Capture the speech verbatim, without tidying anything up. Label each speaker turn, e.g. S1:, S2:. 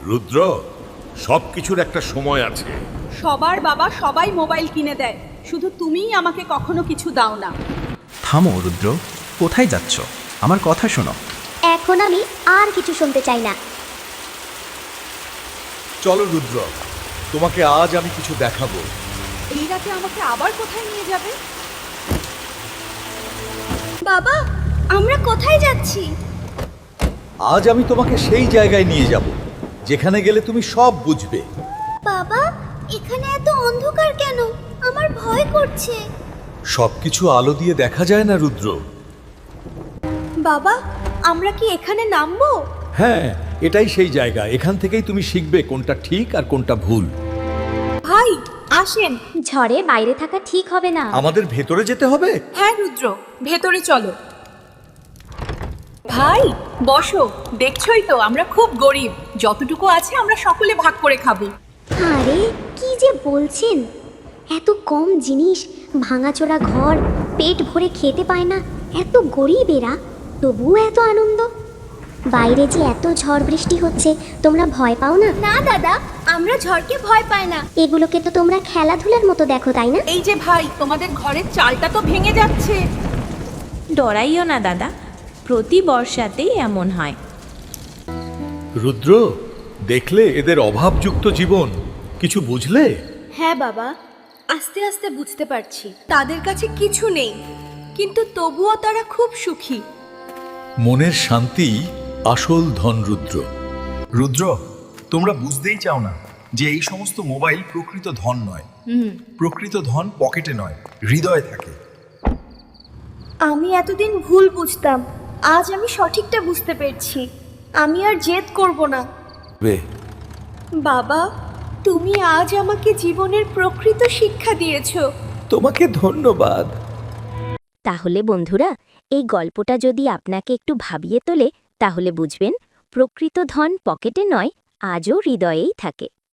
S1: রুদ্র, সবকিছুর একটা সময় আছে।
S2: সবার বাবা সবাই মোবাইল কিনে দেয়, শুধু তুমিই আমাকে কখনো কিছু দাও না।
S3: থামো রুদ্র, কোথায় যাচ্ছ? আমার কথা শোনো।
S4: এখন আমি আর কিছু শুনতে চাই না।
S5: চলো রুদ্র, তোমাকে আজ আমি কিছু দেখাবো।
S2: এই রাতে আমাকে আবার কোথায় নিয়ে যাবে?
S4: বাবা, আমরা কোথায় যাচ্ছি?
S5: আজ আমি তোমাকে সেই জায়গায় নিয়ে যাব যেখানে গেলে তুমি সব বুঝবে।
S4: বাবা, এখানে এত অন্ধকার কেন? আমার ভয় করছে।
S5: সবকিছু আলো দিয়ে দেখা যায় না রুদ্র।
S4: বাবা, আমরা কি এখানে নামবো?
S5: হ্যাঁ, এটাই সেই জায়গা। এখান থেকেই তুমি শিখবে কোনটা ঠিক আর কোনটা ভুল।
S2: ভাই আসেন।
S4: ঝড়ে বাইরে থাকা ঠিক হবে না।
S5: আমাদের ভেতরে যেতে হবে।
S2: হ্যাঁ রুদ্র, ভেতরে চলো। ভাই বসো, দেখছই তো আমরা খুব গরিব, যতটুকু আছে আমরা সকলে ভাগ করে খাবো।
S4: আরে কি যে বলছেন, এত কম জিনিস, ভাঙাচোরা ঘর, পেট ভরে খেতে পায় না, এত গরিব এরা, তবুও এত আনন্দ। বাইরে যে এত ঝড় বৃষ্টি হচ্ছে, তোমরা ভয় পাও না? না দাদা, আমরা ঝড়কে ভয় পাই না। এগুলোকে তো তোমরা খেলাধুলার মতো দেখো, তাই না?
S2: এই যে ভাই, তোমাদের ঘরের চালটা তো ভেঙে যাচ্ছে।
S6: ডরাইও না দাদা, প্রতি বর্ষাতেই এমন হয়।
S5: রুদ্র, দেখলে এদের অভাবযুক্ত জীবন, কিছু বুঝলে?
S7: হ্যাঁ বাবা, আস্তে আস্তে বুঝতে পারছি। তাদের কাছে কিছু নেই, কিন্তু তবুও তারা খুব সুখী।
S5: মনের শান্তি আসল ধন রুদ্র।
S3: রুদ্র, তোমরা বুঝতেই চাও না যে এই সমস্ত মোবাইল প্রকৃত ধন নয়। প্রকৃত ধন পকেটে নয়, হৃদয়ে থাকে।
S7: আমি এতদিন ভুল বুঝতাম, আজ আমি সঠিকটা বুঝতে পেরেছি। আমি আর জেদ করব না।
S5: বে,
S7: বাবা, তুমি আজ আমাকে জীবনের প্রকৃত শিক্ষা দিয়েছো।
S5: তোমাকে ধন্যবাদ।
S4: তাহলে বন্ধুরা, এই গল্পটা যদি আপনাকে একটু ভাবিয়ে তোলে, তাহলে বুঝবেন প্রকৃত ধন পকেটে নয়, আজও হৃদয়েই থাকে।